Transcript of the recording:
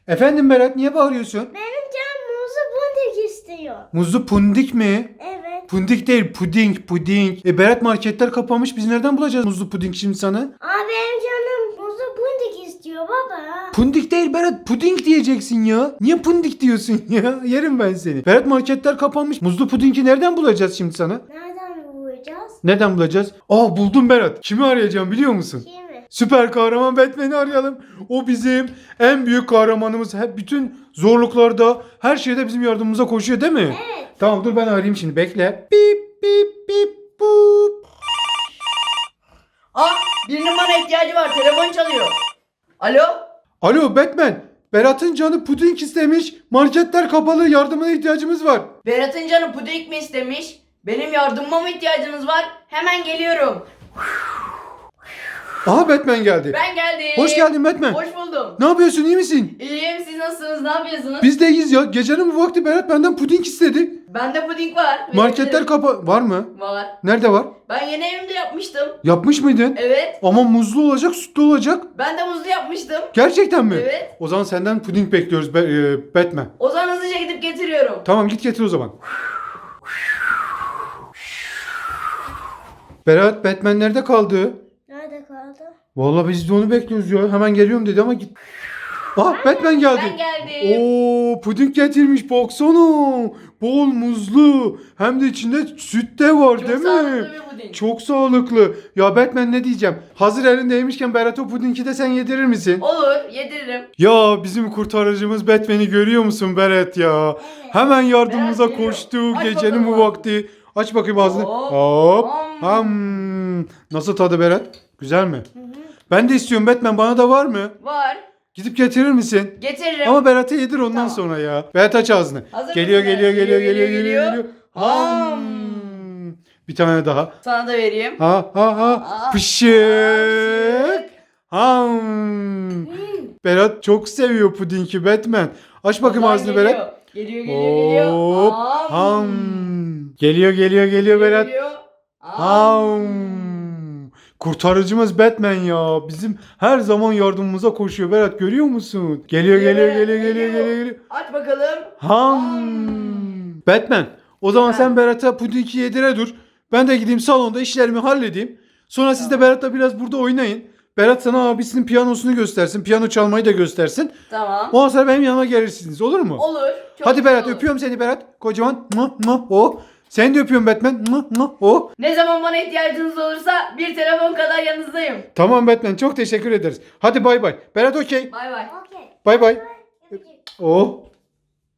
Efendim Berat, niye bağırıyorsun? Benim canım muzlu pundik istiyor. Muzlu pundik mi? Evet. Pundik değil, puding, puding. Berat, marketler kapanmış. Biz nereden bulacağız muzlu puding şimdi sana? Abi benim canım muzlu pundik istiyor baba. Pundik değil Berat, puding diyeceksin ya. Niye pundik diyorsun ya? Yerim ben seni. Berat, marketler kapanmış. Muzlu pudingi nereden bulacağız şimdi sana? Nereden bulacağız? Nereden bulacağız? Aa, buldum Berat. Kimi arayacağım biliyor musun? Kimi? Süper kahraman Batman'i arayalım. O bizim en büyük kahramanımız. Hep bütün zorluklarda, her şeyde bizim yardımımıza koşuyor değil mi? Evet. Tamam, dur ben arayayım şimdi, bekle. Bip bip bip bup. Birinin bana ihtiyacı var. Telefon çalıyor. Alo? Alo Batman. Berat'ın canı puding istemiş. Marketler kapalı, yardımına ihtiyacımız var. Berat'ın canı puding mi istemiş? Benim yardımıma mı ihtiyacınız var? Hemen geliyorum. Aha, Batman geldi. Ben geldim. Hoş geldin Batman. Hoş buldum. Ne yapıyorsun, iyi misin? İyiyim, siz nasılsınız? Ne yapıyorsunuz? Biz de iyiyiz ya. Gecenin bu vakti Berat benden puding istedi. Bende puding var. Marketler var mı? Var. Nerede var? Ben yeni evimde yapmıştım. Yapmış mıydın? Evet. Ama muzlu olacak, sütlü olacak. Ben de muzlu yapmıştım. Gerçekten mi? Evet. O zaman senden puding bekliyoruz Batman. O zaman hızlıca gidip getiriyorum. Tamam, git getir o zaman. Berat, Batman nerede kaldı? Nerede kaldı? Vallahi biz de onu bekliyoruz ya. Hemen geliyorum dedi ama git. Ah, Batman geldi. Ben geldim. Oo, puding getirmiş, baksana. Bol muzlu. Hem de içinde süt de var Çok değil mi? sağlıklı bir puding. Çok sağlıklı. Ya Batman, ne diyeceğim? Hazır elindeymişken Berat, o pudingi de sen yedirir misin? Olur, yediririm. Ya bizim kurtarıcımız Batman'i görüyor musun Berat ya? Evet. Hemen yardımımıza Berat geliyor. koştu. Aç Gecenin bu bakalım. vakti. Aç bakayım ağzını. Hop. Hop. Ham. Nasıl tadı Berat? Güzel mi? Ben de istiyorum Batman, bana da var mı? Var. Gidip getirir misin? Getiririm. Ama Berat'a yedir ondan Tamam. sonra ya. Berat, aç ağzını. Hazır Geliyor, mısın? geliyor, geliyor, geliyor, Geliyor, geliyor, geliyor. geliyor. Ham. Bir tane daha. Sana da vereyim. Ha ha ha. Aa. Pışık. Ham. Berat çok seviyor pudingi Batman. Aç bakayım Vallahi ağzını geliyor. Berat. Geliyor, geliyor. Hop. Ham. Geliyor, geliyor, geliyor Berat. Geliyor. Ham. Kurtarıcımız Batman ya. Bizim her zaman yardımımıza koşuyor Berat, görüyor musun? Geliyor, geliyor, Berat, geliyor, geliyor, geliyor. Aç bakalım. Ham. Batman, o zaman sen Berat'a pudingi yedire dur. Ben de gideyim salonda işlerimi halledeyim. Sonra siz de Berat'la biraz burada oynayın. Berat sana abisinin piyanosunu göstersin. Piyano çalmayı da göstersin. Tamam. Ondan sonra benim yanıma gelirsiniz, olur mu? Olur. Çok Hadi güzel Berat, olur. öpüyorum seni Berat. Kocaman. O. Seni de öpüyorum Batman. O. Ne zaman bana ihtiyacınız olursa bir telefon kadar yanınızdayım. Tamam Batman, çok teşekkür ederiz. Hadi bay bay. Berat okey. Bay bay. Okey. Bay bay. Öpücük. Oh.